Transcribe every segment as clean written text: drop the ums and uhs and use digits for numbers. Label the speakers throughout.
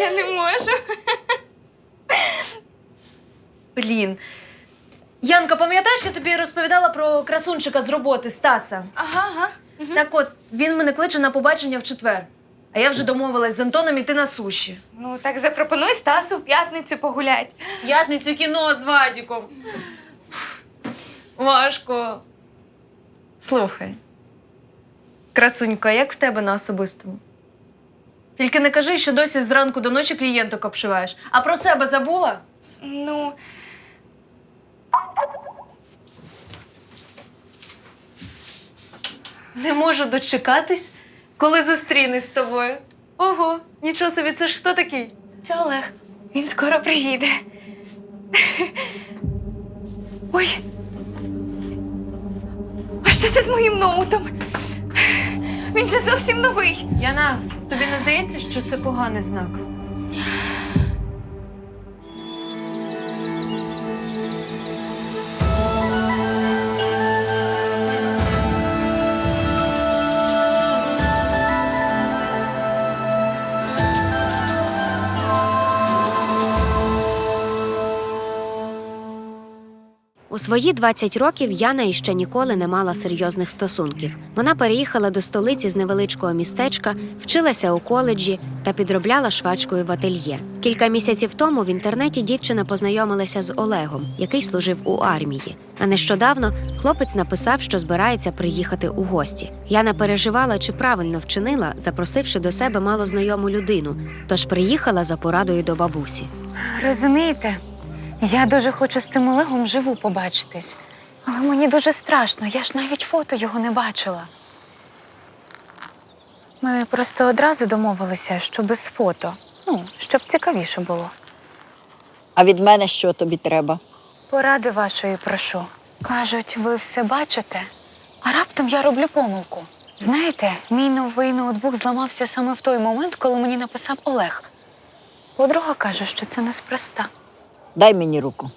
Speaker 1: Я не можу.
Speaker 2: Блін. Янка, пам'ятаєш, я тобі розповідала про красунчика з роботи Стаса?
Speaker 1: Ага.
Speaker 2: Так от, він мене кличе на побачення в четвер. А я вже домовилась з Антоном іти на суші.
Speaker 1: Ну, так запропонуй Стасу в п'ятницю погулять.
Speaker 2: В п'ятницю кіно з Вадіком. Важко. Слухай. Красунька, як в тебе на особистому? Тільки не кажи, що досі зранку до ночі клієнток обшиваєш. А про себе забула?
Speaker 1: Ну,
Speaker 2: Не можу дочекатись, коли зустрінусь з тобою. Ого, нічого собі, це ж хто такий?
Speaker 1: це Олег. Він скоро приїде. Ой. А що це з моїм ноутом? Він же зовсім новий.
Speaker 2: Яна, тобі не здається, що це поганий знак?
Speaker 3: У свої 20 років Яна іще ніколи не мала серйозних стосунків. Вона переїхала до столиці з невеличкого містечка, вчилася у коледжі та підробляла швачкою в ательє. Кілька місяців тому в інтернеті дівчина познайомилася з Олегом, який служив у армії. А нещодавно хлопець написав, що збирається приїхати у гості. Яна переживала, чи правильно вчинила, запросивши до себе малознайому людину, тож приїхала за порадою до бабусі.
Speaker 4: Розумієте, я дуже хочу з цим Олегом вживу побачитись. Але мені дуже страшно, я ж навіть фото його не бачила. Ми просто одразу домовилися, що без фото. Щоб цікавіше було.
Speaker 5: А від мене що тобі треба?
Speaker 4: Поради вашої прошу. Кажуть, ви все бачите, а раптом я роблю помилку. Знаєте, мій новий ноутбук зламався саме в той момент, коли мені написав Олег. Подруга каже, що це неспроста.
Speaker 5: Дай мені руку.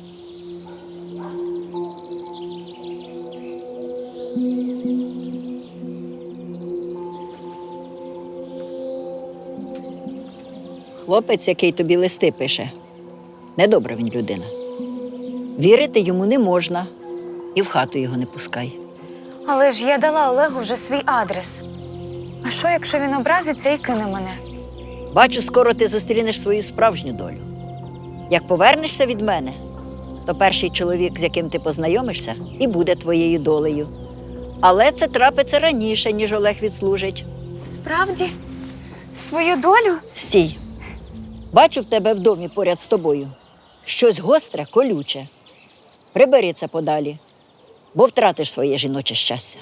Speaker 5: Хлопець, який тобі листи пише, недобра він людина. Вірити йому не можна і в хату його не пускай.
Speaker 4: Але ж я дала Олегу вже свій адрес. А що, якщо він образиться і кине мене?
Speaker 5: Бачу, скоро ти зустрінеш свою справжню долю. Як повернешся від мене, то перший чоловік, з яким ти познайомишся, і буде твоєю долею. Але це трапиться раніше, ніж Олег відслужить.
Speaker 4: Справді? Свою долю?
Speaker 5: Стій. Бачу в тебе в домі поряд з тобою щось гостре, колюче. Прибери це подалі, бо втратиш своє жіноче щастя.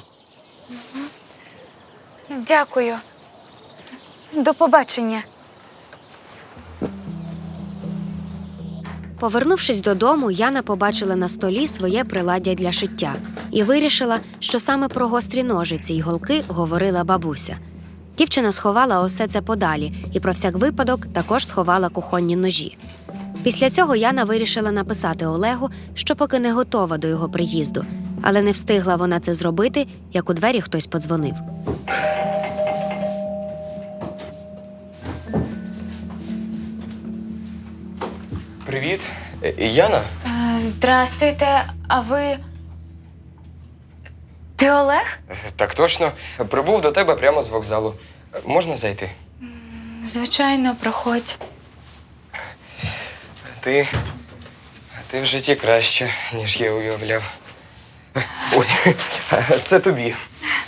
Speaker 4: Дякую. До побачення.
Speaker 3: Повернувшись додому, Яна побачила на столі своє приладдя для шиття і вирішила, що саме про гострі ножиці й голки говорила бабуся. Дівчина сховала усе це подалі і про всяк випадок також сховала кухонні ножі. Після цього Яна вирішила написати Олегу, що поки не готова до його приїзду, але не встигла вона це зробити, як у двері хтось подзвонив.
Speaker 6: Привіт. Яна?
Speaker 4: Здрастуйте, а ви… Ти Олег?
Speaker 6: Так точно. Прибув до тебе прямо з вокзалу. Можна зайти?
Speaker 4: Звичайно, проходь.
Speaker 6: Ти в житті краще, ніж я уявляв. Ой, це тобі.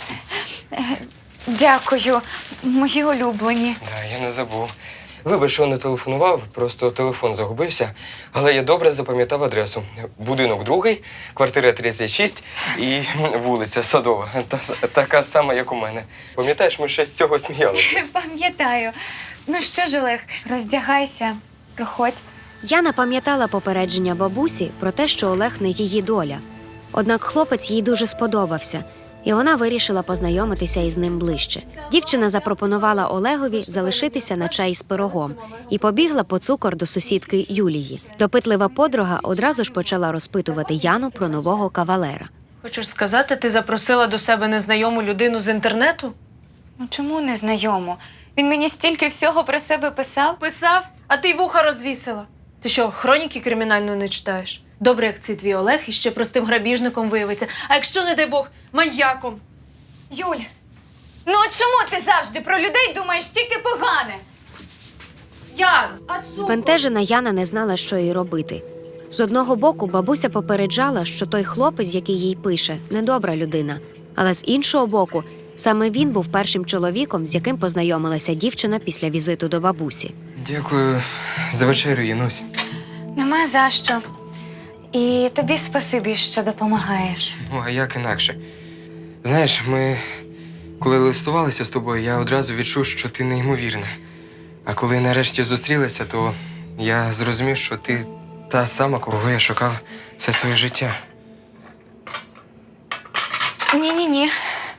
Speaker 4: Дякую, мої улюблені.
Speaker 6: Я не забув. Вибач, що не телефонував, просто телефон загубився. Але я добре запам'ятав адресу. Будинок 2, квартира 36 і вулиця Садова. Така сама, як у мене. Пам'ятаєш, ми ще з цього сміялися.
Speaker 4: Пам'ятаю. Ну що ж, Олег, роздягайся, проходь.
Speaker 3: Яна пам'ятала попередження бабусі про те, що Олег не її доля. Однак хлопець їй дуже сподобався, і вона вирішила познайомитися із ним ближче. Дівчина запропонувала Олегові залишитися на чай з пирогом і побігла по цукор до сусідки Юлії. Допитлива подруга одразу ж почала розпитувати Яну про нового кавалера.
Speaker 2: Хочеш сказати, ти запросила до себе незнайому людину з інтернету?
Speaker 4: Ну чому незнайому?
Speaker 1: Він мені стільки всього про себе писав.
Speaker 2: Писав, а ти й вуха розвісила. Ти що, хроніки кримінальної не читаєш? Добре, як цей твій Олег іще простим грабіжником виявиться. А якщо, не дай Бог, маньяком?
Speaker 1: Юль, ну от чому ти завжди про людей думаєш тільки погане?
Speaker 2: Ян!
Speaker 3: Збентежена Яна не знала, що їй робити. З одного боку, бабуся попереджала, що той хлопець, який їй пише, недобра людина. Але з іншого боку, саме він був першим чоловіком, з яким познайомилася дівчина після візиту до бабусі.
Speaker 6: Дякую за вечерю, Янусь.
Speaker 1: Нема за що. І тобі спасибі, що допомагаєш.
Speaker 6: Ну, а як інакше? Знаєш, ми, коли листувалися з тобою, я одразу відчув, що ти неймовірна. А коли нарешті зустрілися, то я зрозумів, що ти та сама, кого я шукав все своє життя.
Speaker 1: Ні-ні-ні.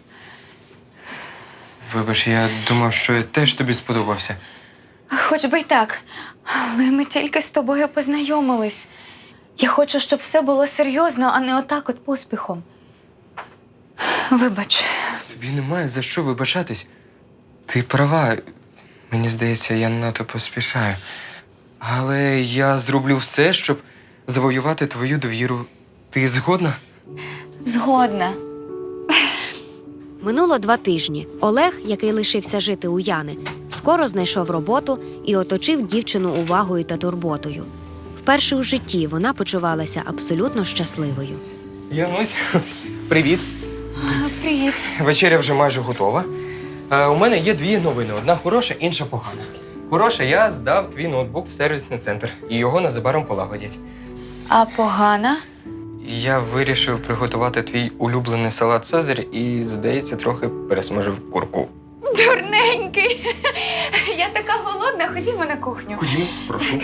Speaker 6: Вибач, я думав, що я теж тобі сподобався.
Speaker 1: Хоч би й так. Але ми тільки з тобою познайомились. Я хочу, щоб все було серйозно, а не отак от поспіхом. Вибач.
Speaker 6: Тобі немає за що вибачатись. Ти права. Мені здається, я надто поспішаю. Але я зроблю все, щоб завоювати твою довіру. Ти згодна?
Speaker 1: Згодна.
Speaker 3: Минуло 2 тижні. Олег, який лишився жити у Яни, скоро знайшов роботу і оточив дівчину увагою та турботою. Вперше у житті вона почувалася абсолютно щасливою.
Speaker 6: Янусь, привіт.
Speaker 1: Привіт.
Speaker 6: Вечеря вже майже готова. У мене є 2 новини. Одна хороша, інша погана. Хороша, я здав твій ноутбук в сервісний центр, і його незабаром полагодять.
Speaker 1: А погана?
Speaker 6: Я вирішив приготувати твій улюблений салат Цезарь і, здається, трохи пересмажив курку.
Speaker 1: Дурненький. Я така голодна, ходімо на кухню.
Speaker 6: Ходімо, прошу.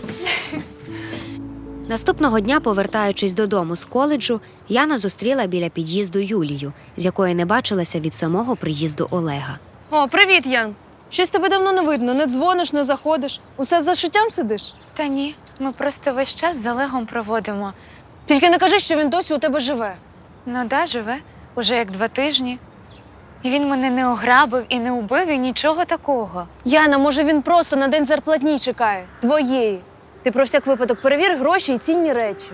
Speaker 3: Наступного дня, повертаючись додому з коледжу, Яна зустріла біля під'їзду Юлію, з якої не бачилася від самого приїзду Олега.
Speaker 2: О, привіт, Ян! Щось тебе давно не видно, не дзвониш, не заходиш. Усе за шиттям сидиш?
Speaker 1: Та ні, ми просто весь час з Олегом проводимо.
Speaker 2: Тільки не кажи, що він досі у тебе живе.
Speaker 1: Ну да, живе. Уже як 2 тижні. І він мене не ограбив і не убив, і нічого такого.
Speaker 2: Яна, може, він просто на день зарплатні чекає. Твоєї. Ти про всяк випадок перевір гроші і цінні речі.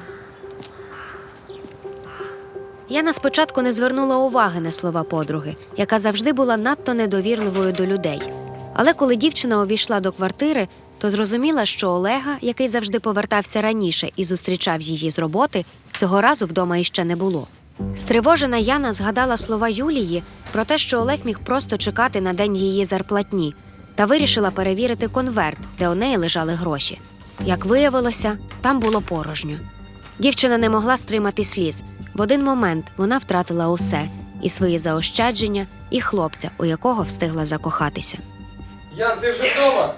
Speaker 3: Яна спочатку не звернула уваги на слова подруги, яка завжди була надто недовірливою до людей. Але коли дівчина увійшла до квартири, то зрозуміла, що Олега, який завжди повертався раніше і зустрічав її з роботи, цього разу вдома іще не було. Стривожена Яна згадала слова Юлії про те, що Олег міг просто чекати на день її зарплатні, та вирішила перевірити конверт, де у неї лежали гроші. Як виявилося, там було порожньо. Дівчина не могла стримати сліз. В один момент вона втратила усе – і свої заощадження, і хлопця, у якого встигла закохатися.
Speaker 6: Ян, ти вже вдома?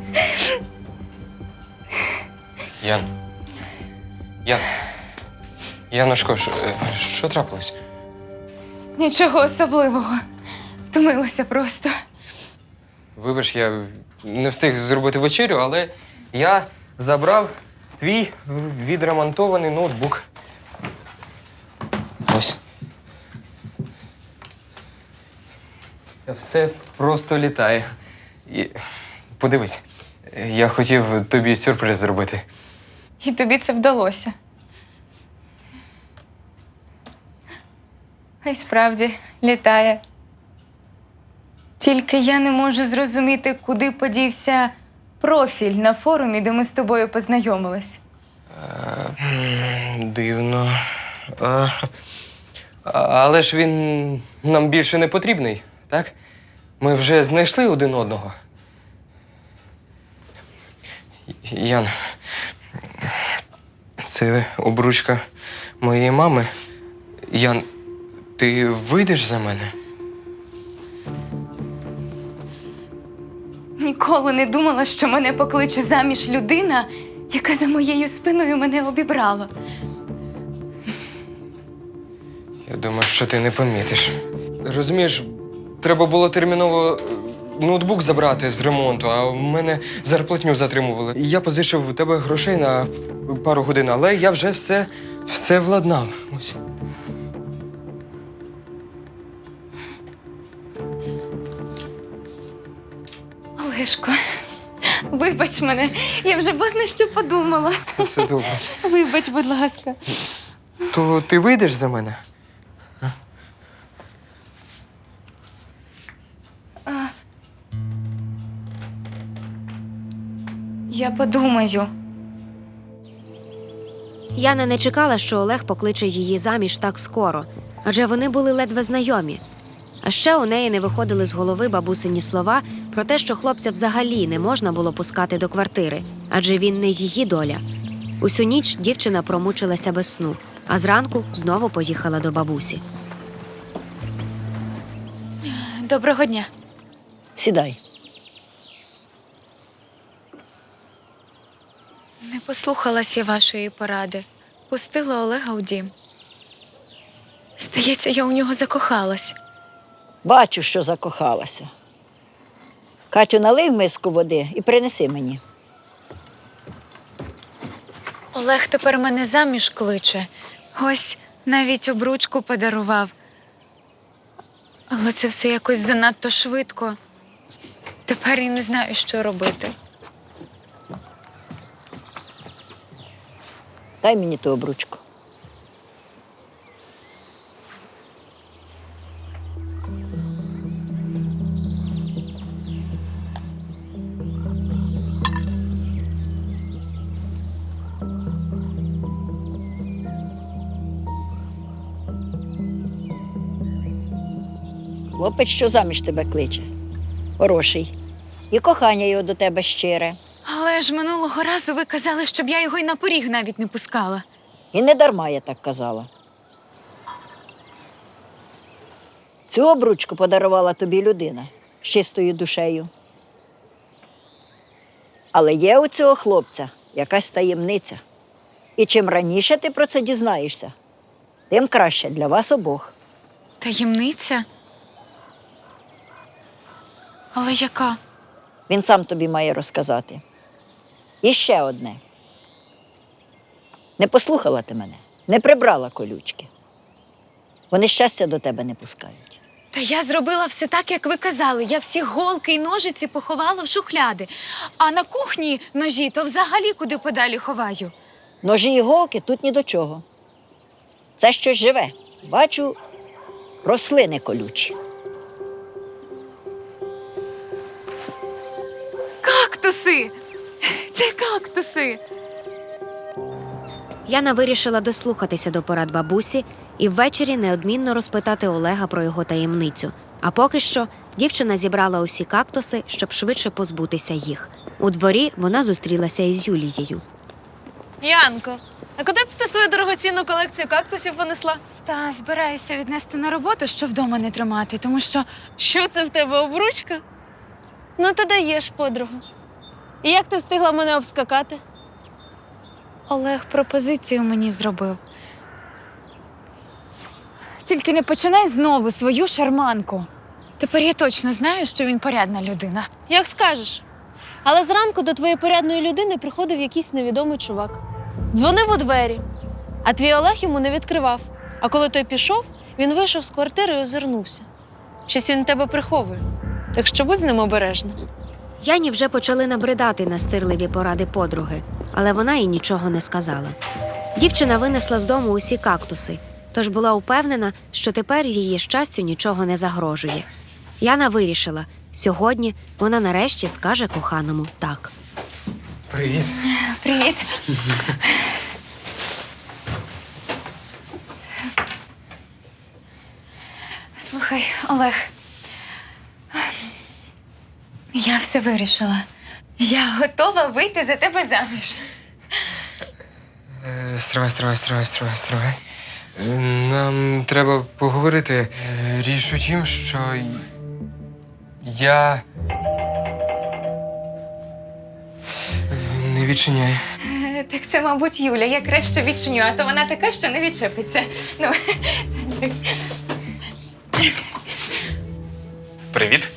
Speaker 6: Ян. Яночко, що трапилось?
Speaker 1: Нічого особливого. Втомилася просто.
Speaker 6: Вибач, я не встиг зробити вечерю, але я забрав твій відремонтований ноутбук. Ось. Все просто літає. І... Подивись, я хотів тобі сюрприз зробити.
Speaker 1: І тобі це вдалося. А й справді літає. Тільки я не можу зрозуміти, куди подівся профіль на форумі, де ми з тобою познайомились.
Speaker 6: Дивно. Але ж він нам більше не потрібний, так? Ми вже знайшли один одного. Ян, це обручка моєї мами. Ян, ти вийдеш за мене?
Speaker 1: Ніколи не думала, що мене покличе заміж людина, яка за моєю спиною мене обібрала.
Speaker 6: Я думаю, що ти не помітиш. Розумієш, треба було терміново ноутбук забрати з ремонту, а в мене зарплатню затримували. І я позичив у тебе грошей на пару годин, але я вже все владнав. Ось.
Speaker 1: Олешко, вибач мене, я вже бозна що подумала.
Speaker 6: Все добре.
Speaker 1: Вибач, будь ласка.
Speaker 6: То ти вийдеш за мене?
Speaker 1: Я подумаю.
Speaker 3: Яна не чекала, що Олег покличе її заміж так скоро, адже вони були ледве знайомі. А ще у неї не виходили з голови бабусині слова про те, що хлопця взагалі не можна було пускати до квартири, адже він не її доля. Усю ніч дівчина промучилася без сну, а зранку знову поїхала до бабусі.
Speaker 1: Доброго дня.
Speaker 5: Сідай.
Speaker 1: Не послухалась я вашої поради. Пустила Олега у дім. Здається, я у нього закохалась.
Speaker 5: Бачу, що закохалася. Катю, налий в миску води і принеси мені.
Speaker 1: Олег тепер мене заміж кличе. Ось навіть обручку подарував. Але це все якось занадто швидко. Тепер і не знаю, що робити.
Speaker 5: Дай мені ту обручку. Хлопець, що заміж тебе кличе. Хороший. І кохання його до тебе щире.
Speaker 1: Але ж минулого разу ви казали, щоб я його й на поріг навіть не пускала.
Speaker 5: І не дарма я так казала. Цю обручку подарувала тобі людина з чистою душею. Але є у цього хлопця якась таємниця. І чим раніше ти про це дізнаєшся, тим краще для вас обох.
Speaker 1: Таємниця? Але яка?
Speaker 5: Він сам тобі має розказати. І ще одне. Не послухала ти мене, не прибрала колючки. Вони щастя до тебе не пускають.
Speaker 1: Та я зробила все так, як ви казали. Я всі голки й ножиці поховала в шухляди. А на кухні ножі то взагалі куди подалі ховаю.
Speaker 5: Ножі і голки тут ні до чого. Це щось живе. Бачу, рослини колючі.
Speaker 1: Кактуси! Це кактуси!
Speaker 3: Яна вирішила дослухатися до порад бабусі і ввечері неодмінно розпитати Олега про його таємницю. А поки що дівчина зібрала усі кактуси, щоб швидше позбутися їх. У дворі вона зустрілася із Юлією.
Speaker 2: Янко, а куди ти свою дорогоцінну колекцію кактусів понесла?
Speaker 1: Та збираюся віднести на роботу, щоб вдома не тримати, тому що
Speaker 2: Що це в тебе, обручка? Ну, ти даєш, подругу. І як ти встигла мене обскакати?
Speaker 1: Олег пропозицію мені зробив. Тільки не починай знову свою шарманку. Тепер я точно знаю, що він порядна людина.
Speaker 2: Як скажеш. Але зранку до твоєї порядної людини приходив якийсь невідомий чувак. Дзвонив у двері, а твій Олег йому не відкривав. А коли той пішов, він вийшов з квартири і озирнувся. Щось він тебе приховує. Так що будь з ним обережна.
Speaker 3: Яні вже почали набридати настирливі поради подруги, але вона їй нічого не сказала. Дівчина винесла з дому усі кактуси, тож була упевнена, що тепер її щастю нічого не загрожує. Яна вирішила, сьогодні вона нарешті скаже коханому «так».
Speaker 6: Привіт.
Speaker 1: Привіт. Слухай, Олег, я все вирішила. Я готова вийти за тебе заміж.
Speaker 6: Стривай. Нам треба поговорити. Річ у тім, що я не відчиняю.
Speaker 1: Так це, мабуть, Юля. Я краще відчиню, а то вона така, що не відчепиться. Ну, сядь.
Speaker 7: Привіт.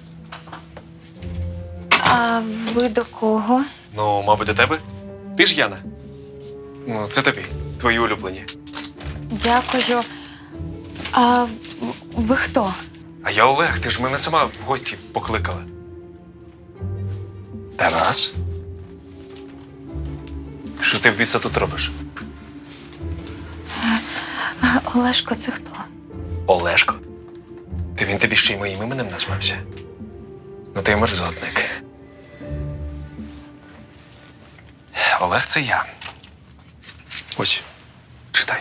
Speaker 1: А ви до кого?
Speaker 7: Ну, мабуть, до тебе. Ти ж Яна. Ну, це тобі, твої улюблені.
Speaker 1: Дякую. А ви хто?
Speaker 7: А я Олег, ти ж мене сама в гості покликала. Тарас? Що ти в біса тут робиш?
Speaker 4: Олешко, це хто?
Speaker 7: Олешко? Ти він тобі ще й моїм іменем назвався? Ну ти мерзотник. Олег це я. Ось, читай.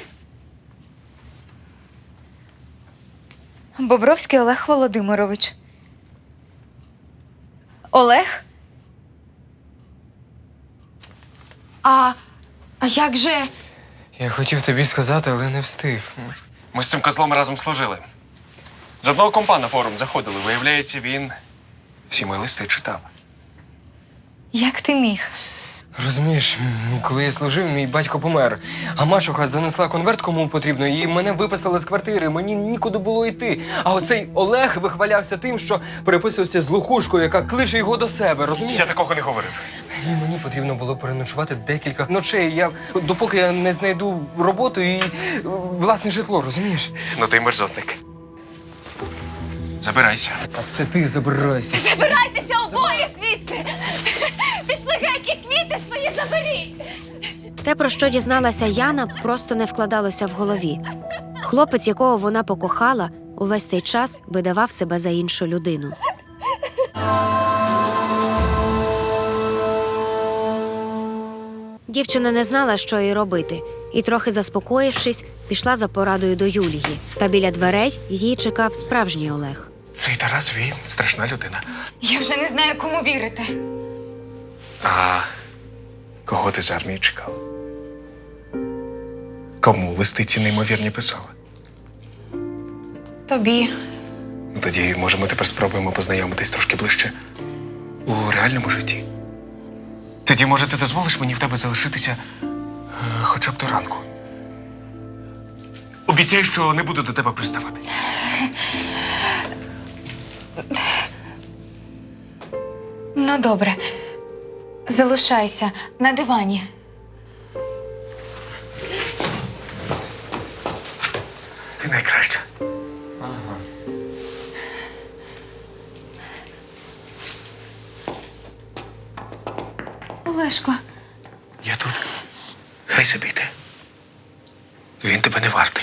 Speaker 1: Бобровський Олег Володимирович. Олег? А як же?
Speaker 6: Я хотів тобі сказати, але не встиг.
Speaker 7: Ми з цим козлом разом служили. З одного компа на форум заходили. Виявляється, він всі мої листи читав.
Speaker 1: Як ти міг?
Speaker 6: Розумієш, коли я служив, мій батько помер, а мачуха занесла конверт кому потрібно, і мене виписали з квартири, мені нікуди було йти. А оцей Олег вихвалявся тим, що переписувався з лохушкою, яка кличе його до себе, розумієш?
Speaker 7: Я такого не говорив.
Speaker 6: І мені потрібно було переночувати декілька ночей, допоки я не знайду роботу і власне житло, розумієш?
Speaker 7: Ну ти мерзотник. Забирайся.
Speaker 6: А це ти забирайся.
Speaker 1: Забирайтеся обоє звідси! Пішли геть і квіти свої заберіть!
Speaker 3: Те, про що дізналася Яна, просто не вкладалося в голові. Хлопець, якого вона покохала, увесь цей час видавав себе за іншу людину. Дівчина не знала, що їй робити, і, трохи заспокоївшись, пішла за порадою до Юлії. Та біля дверей її чекав справжній Олег.
Speaker 7: Цей Тарас, він страшна людина.
Speaker 1: Я вже не знаю, кому вірити.
Speaker 7: А кого ти з армії чекав? Кому листи ці неймовірні писали?
Speaker 1: Тобі.
Speaker 7: Ну, тоді, може, ми тепер спробуємо познайомитись трошки ближче у реальному житті. Тоді, може, ти дозволиш мені в тебе залишитися хоча б до ранку? Обіцяю, що не буду до тебе приставати.
Speaker 1: Ну, добре. Залишайся на дивані.
Speaker 7: Ти найкраща.
Speaker 1: Олешко,
Speaker 7: Я тут. Хай собі йде. Він тебе не вартий.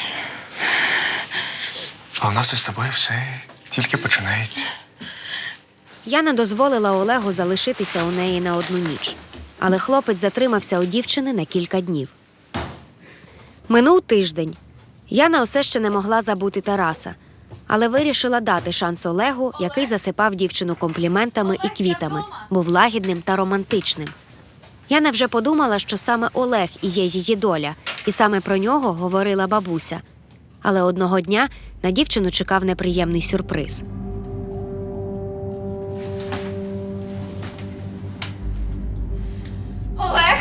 Speaker 7: А у нас із тобою все тільки починається.
Speaker 3: Яна дозволила Олегу залишитися у неї на одну ніч. Але хлопець затримався у дівчини на кілька днів. Минув тиждень. Яна усе ще не могла забути Тараса, але вирішила дати шанс Олегу, який засипав дівчину компліментами і квітами, був лагідним та романтичним. Яна вже подумала, що саме Олег і є її доля, і саме про нього говорила бабуся. Але одного дня на дівчину чекав неприємний сюрприз.
Speaker 1: Олег!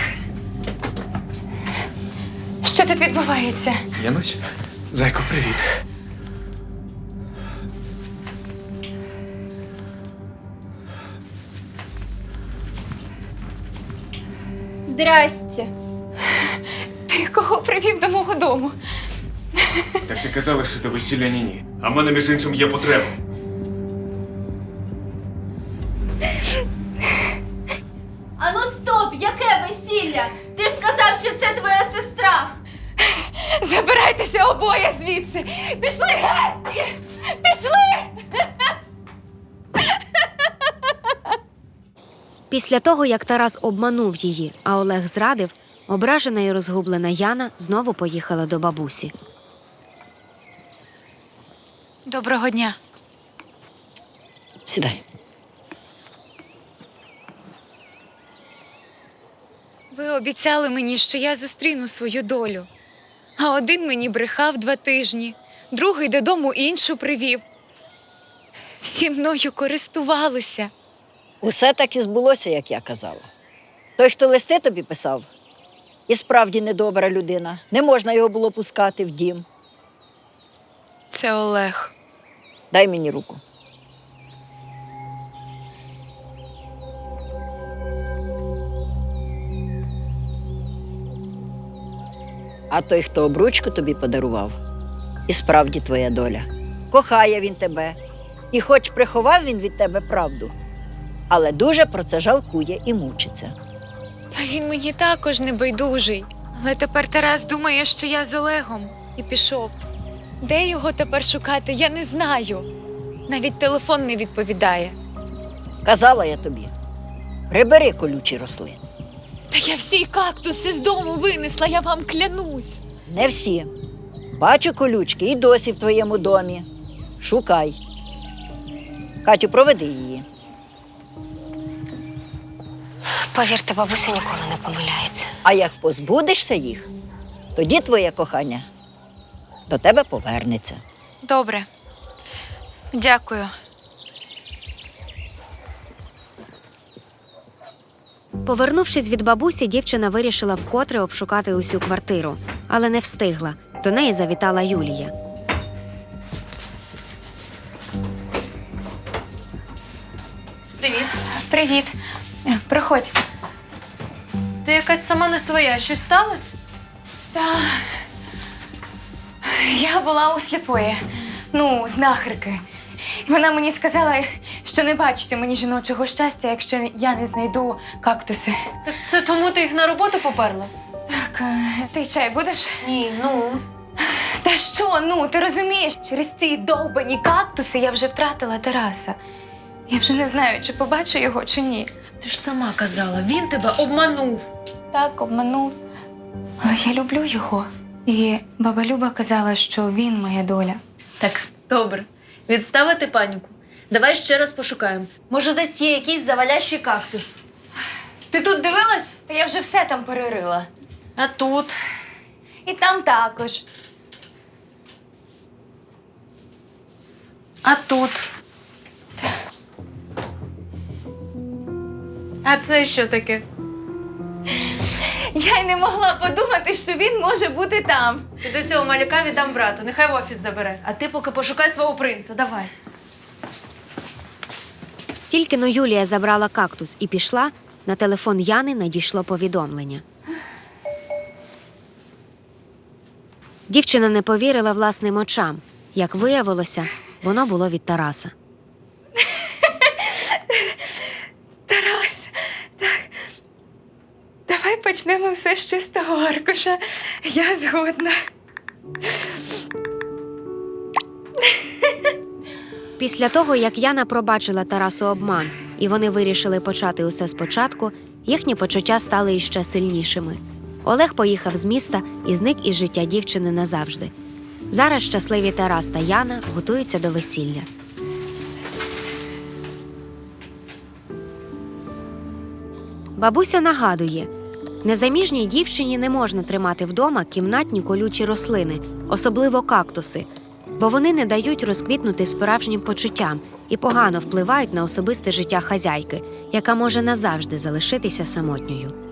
Speaker 1: Що тут відбувається?
Speaker 7: Янусь, зайко, привіт.
Speaker 1: Здрасте. Ти кого привів до мого дому?
Speaker 7: Так ти казала, що до весілля ні-ні. А в мене, між іншим, є потреба.
Speaker 8: Ану стоп! Яке весілля? Ти ж сказав, що це твоя сестра!
Speaker 1: Забирайтеся обоє звідси! Пішли геть! Пішли!
Speaker 3: Після того, як Тарас обманув її, а Олег зрадив, ображена і розгублена Яна знову поїхала до бабусі.
Speaker 1: Доброго дня.
Speaker 5: Сідай.
Speaker 1: Ви обіцяли мені, що я зустріну свою долю. А один мені брехав 2 тижні, другий додому іншу привів. Всі мною користувалися.
Speaker 5: Усе так і збулося, як я казала. Той, хто листи тобі писав, і справді недобра людина. Не можна його було пускати в дім.
Speaker 1: Це Олег.
Speaker 5: Дай мені руку. А той, хто обручку тобі подарував, і справді твоя доля. Кохає він тебе. І хоч приховав він від тебе правду, але дуже про це жалкує і мучиться.
Speaker 1: Та він мені також не байдужий. Але тепер Тарас думає, що я з Олегом, і пішов. Де його тепер шукати, я не знаю. Навіть телефон не відповідає.
Speaker 5: Казала я тобі, прибери колючі рослини.
Speaker 1: Та я всі кактуси з дому винесла, я вам клянусь.
Speaker 5: Не всі. Бачу колючки і досі в твоєму домі. Шукай. Катю, проведи її.
Speaker 3: Повірте, бабуся ніколи не помиляється.
Speaker 5: А як позбудешся їх, тоді твоє кохання до тебе повернеться.
Speaker 1: Добре. Дякую.
Speaker 3: Повернувшись від бабусі, дівчина вирішила вкотре обшукати усю квартиру, але не встигла. До неї завітала Юлія.
Speaker 2: Привіт.
Speaker 1: Привіт. Проходь.
Speaker 2: Ти якась сама не своя. Щось сталося?
Speaker 1: Та я була у сліпої, знахарки. І вона мені сказала, що не бачити мені жіночого щастя, якщо я не знайду кактуси.
Speaker 2: Так це тому ти їх на роботу поперла?
Speaker 1: Так, ти чай будеш?
Speaker 2: Ні,
Speaker 1: Та що, ти розумієш, через ці довбані кактуси я вже втратила Тараса. Я вже не знаю, чи побачу його, чи ні.
Speaker 2: Ти ж сама казала, він тебе обманув.
Speaker 1: Так, обманув. Але я люблю його. І баба Люба казала, що він моя доля.
Speaker 2: Так, добре. Відставити паніку. Давай ще раз пошукаємо. Може, десь є якийсь завалящий кактус. Ти тут дивилась?
Speaker 1: Та я вже все там перерила.
Speaker 2: А тут?
Speaker 1: І там також.
Speaker 2: А тут? А це що таке?
Speaker 1: Я й не могла подумати, що він може бути там.
Speaker 2: І до цього малюка віддам брату, нехай в офіс забере. А ти поки пошукай свого принца, давай.
Speaker 3: Тільки но Юлія забрала кактус і пішла, на телефон Яни надійшло повідомлення. Дівчина не повірила власним очам. Як виявилося, воно було від Тараса.
Speaker 1: Тарас, так. Давай почнемо все з чистого аркуша. Я згодна.
Speaker 3: Після того, як Яна пробачила Тарасу обман, і вони вирішили почати усе спочатку, їхні почуття стали іще сильнішими. Олег поїхав з міста і зник із життя дівчини назавжди. Зараз щасливі Тарас та Яна готуються до весілля. Бабуся нагадує, незаміжній дівчині не можна тримати вдома кімнатні колючі рослини, особливо кактуси, бо вони не дають розквітнути справжнім почуттям і погано впливають на особисте життя хазяйки, яка може назавжди залишитися самотньою.